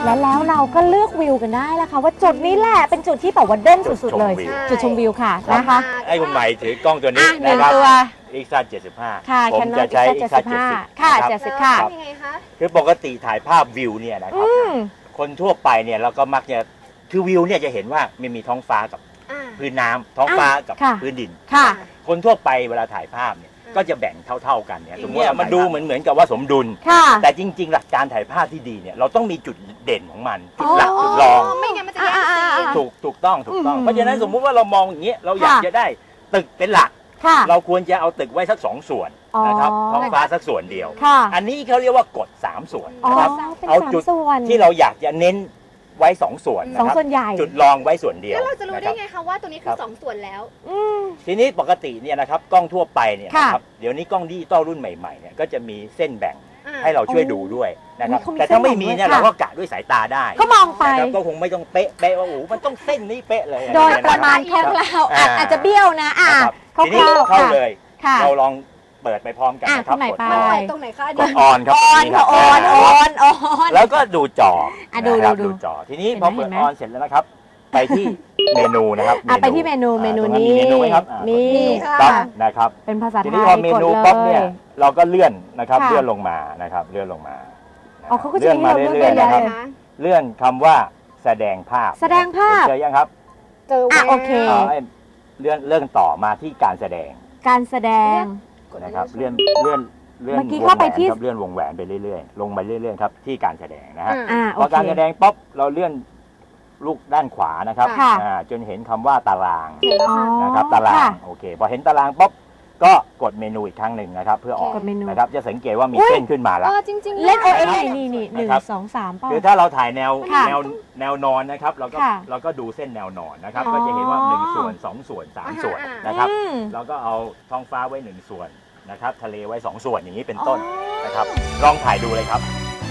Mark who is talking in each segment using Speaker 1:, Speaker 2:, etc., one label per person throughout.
Speaker 1: แล้วเราก็เลือกวิวกันได้แล้วค่ะว่าจุดนี้แหละเป็นจุดที่แบบว่าเด่นสุดๆเลยจุดชมวิวค่ะนะคะ
Speaker 2: ให้คุณใหม่ถือกล้องตัวนี้
Speaker 1: นะครับ
Speaker 2: Ixa 75
Speaker 1: ค่ะ
Speaker 2: ผมจะใช้ Ixa 70
Speaker 1: ค่ะ70ค่ะ
Speaker 3: ยังไงคะ
Speaker 2: คือปกติถ่ายภาพวิวเนี่ยนะครับคนทั่วไปเนี่ยเราก็มักจะคือวิวเนี่ยจะเห็นว่ามันมีท้องฟ้ากับพื้นน้ำท้องฟ้ากับพื้นดินคนทั่วไปเวลาถ่ายภาพเนี่ยก็จะแบ่งเท่าๆกันเนี่ยสมมติมาดูเหมือนกับว่าสมดุลแต่จริงๆหลักการถ่ายภาพที่ดีเนี่ยเราต้องมีจุดเด่นของมันจุดหลักจุดรอง
Speaker 3: ไม่งั้นมันจะแย่งซีน
Speaker 2: ถูกต้องเพราะฉะนั้นสมมุติว่าเรามองอย่างนี้เราอยากจะได้ตึกเป็นหลักเราควรจะเอาตึกไว้สัก2 ส่วนนะครับท้องฟ้าสักส่วนเดียวอันนี้เขาเรียกว่ากฎ3 ส่วนนะครับเอาจุดที่เราอยากจะเน้นไว้2 ส่วนนะครับจุดรองไว้ส่วนเดียว
Speaker 3: แล้วเราจะรู้ได้ไงคะว่าตัวนี้คือ2 ส่วนแล้ว
Speaker 2: ทีนี้ปกติเนี่ยนะครับกล้องทั่วไปเนี่ยนะครับเดี๋ยวนี้กล้องดิจิตอลรุ่นใหม่ๆเนี่ยก็จะมีเส้นแบ่งให้เราช่วยดูด้วยนะครับแต่ถ้าไม่มีเนี่ยเราก็กะด้วยสายตาได้
Speaker 1: ก็มองไป
Speaker 2: ก็คงไม่ต้องเป๊ะว่าโอ้มันต้องเส้นนี้เป๊ะเลย
Speaker 1: โดยประมาณคร่าวๆอาจจะเบี้ยวนะ
Speaker 2: ทีนี้เข้าเลยเราลองเปิดไปพร้อมกันนะครับ
Speaker 3: กดตรงไหนคะ
Speaker 2: กดออนครับ
Speaker 1: ออน
Speaker 2: แล้วก็ดูจอ
Speaker 1: ดู
Speaker 2: จอทีนี้พอเปิดออนเสร็จแล้วนะครับไปที่เมนูนะครับ
Speaker 1: ไปที่เมนูนี้
Speaker 2: มีปั๊บนะครับ
Speaker 1: เป็นภาษาไทย
Speaker 2: ทีนี้พอเมนูปั๊บเนี่ยเราก็เลื่อนนะครับเลื่อนลงมานะครับเลื่อนลงมา
Speaker 1: เลื่อนมาเรื่อยๆนะครับ
Speaker 2: เลื่อนคำว่าแสดงภาพ
Speaker 1: เจ
Speaker 2: อยังครับ
Speaker 3: เจอ
Speaker 1: โอเค
Speaker 2: เลื่อนต่อมาที่การแสดงนะครับเลื่อนเมื่อ
Speaker 1: กี้เข้าไปที่
Speaker 2: เลื่อนวงแหวนไปเรื่อยๆลงไปเรื่อยๆครับที่การแสดงนะฮะพอการแสดงป๊อปเราเลื่อนลูกด้านขวานะครับจนเห็นคำว่าตารางนะครับตารางโอเคพอเห็นตารางป๊อปก็กดเมนูอีกครั้งหนึ่งนะครับเพื่อออกนะครับจะสังเกตว่ามีเส้นขึ้นมาแล้ว
Speaker 1: เล่นนี่1 2 3
Speaker 2: คือถ้าเราถ่ายแนวนอนนะครับเราก็ดูเส้นแนวนอนนะครับก็จะเห็นว่า1 ส่วน2 ส่วน3 ส่วนนะครับเราก็เอาท้องฟ้าไว้1 ส่วนนะครับทะเลไว้2 ส่วนอย่างนี้เป็นต้นนะครับลองถ่ายดูเลยครับ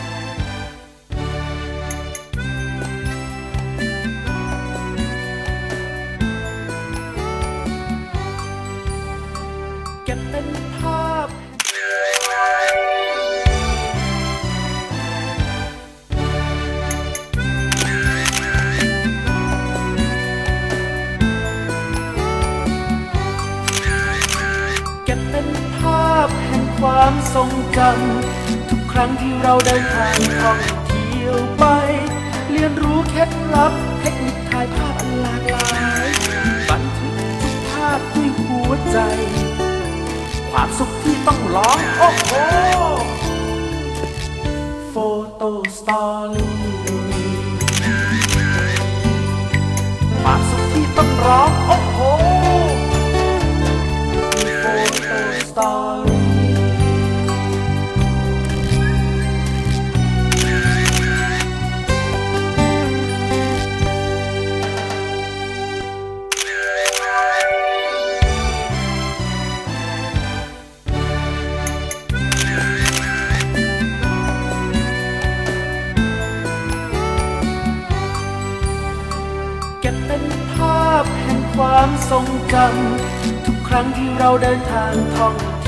Speaker 4: เก็บเป็นภาพแห่งความทรงจำทุกครั้งที่เราเดินทางท่องเที่ยวไปเรียนรู้เคล็ดลับเทคนิคถ่ายภาพอันหลากหลายบันทึกทุกภาพด้วยหัวใจความสุขที่ต้องร้องโอ้โหโฟโต้สตอรี่ความสุขที่ต้องร้องโอ้โหโฟโต้สตอรี่ความทรงจำทุกครั้งที่เราเดินทางท่อง